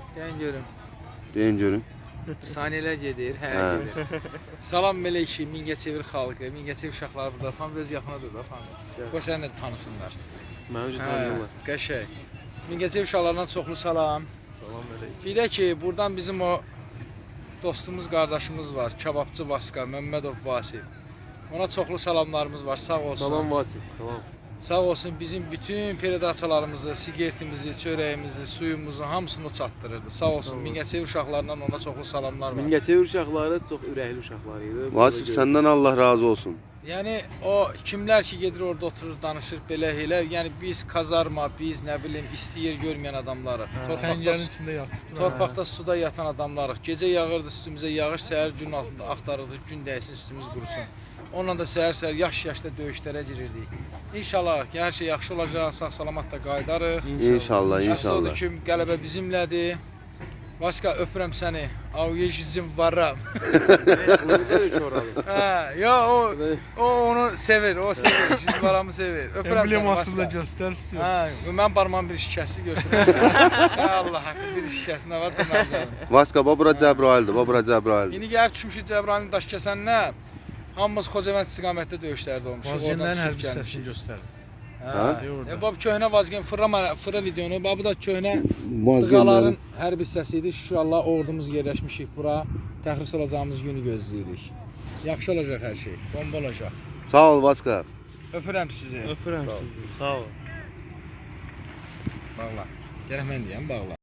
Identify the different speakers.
Speaker 1: Deyin görüm.
Speaker 2: Deyin görün.
Speaker 1: Saniyələr gedir, gedir. Salam mələkşi, Mingəçevir xalqı, Mingəçevir uşaqları burada falan öz yaxınadır da falan. Qoy səni də tanısınlar.
Speaker 3: Mənim üçün tanıyırlar.
Speaker 1: Qəşəng. Mingəçevir uşaqlarına çoxlu salam.
Speaker 3: Salam əleykum.
Speaker 1: Bir də ki, buradan bizim o dostumuz, qardaşımız var, Kababçı Vaska, Məmmədov Vasif. Ona çoxlu salamlarımız var, sağ olsun.
Speaker 3: Salam Vasif, salam.
Speaker 1: Sağ olsun bizim bütün peredaçalarımızı, sigaretimizi, çörəyimizi, suyumuzu hamısını çatdırırdı. Sağ olsun Mingəçevir uşaqlarından ona çoxlu salamlar var.
Speaker 3: Mingəçevir uşaqları çox ürəkli uşaqlar idi.
Speaker 2: Vasif səndən Allah razı olsun.
Speaker 1: Yəni o kimlər ki gedir orada oturur, danışır belə elə. Yəni biz kazarma, biz nə bilim isti yer görməyən adamlarıq.
Speaker 4: Səngərin içində yatıb.
Speaker 1: Torpaqda, suda yatan adamlarıq. Gecə yağırdı üstümüzə yağış, səhər gün altında axtarırdıq, gün dəysin, üstümüz qurusun. Onunla da səhər-səhər yaş-yaşda döyüşlərə girirdik. İnşallah ki, hər şey yaxşı olacaq, sağ-salamat da qayıdarıq.
Speaker 2: İnşallah,
Speaker 1: Əsas
Speaker 2: inşallah.
Speaker 1: odur ki, qələbə bizimlədir. Vaska, öpürəm səni. Avyejizim varam. Ya o onu sevir, o sevir. Jizvaramı sevir. Öpürəm səni.
Speaker 4: Emblemasını da göstər.
Speaker 1: Mən barmağım bir şikəsi görsün. Allah haqqı bir şikəsi nə var deməli.
Speaker 2: Vaska, bura Cəbraildir, bura Cəbraildir.
Speaker 1: İndi gəlib düşmüşük Cəbrailin daş kəsəninə. Hamımız Xocavənd istiqamətdə döyüşlərdə olmuşuq.
Speaker 4: Vazgenlərin hər bir hissəsini göstərir.
Speaker 1: Bu köhnə Vazgen fırra videonu, bu da köhnə Dıqaların hər bir hissəsidir. Şükür Allah ordumuz yerləşmişik bura. Təxris olacağımız günü gözləyirik. Yaxşı olacaq hər şey, bomba olacaq.
Speaker 2: Sağ ol Vaska.
Speaker 1: Öpürəm sizi.
Speaker 3: Öpürəm sizi. Sağ ol.
Speaker 1: Bağla. Gərək mən deyəm, bağla.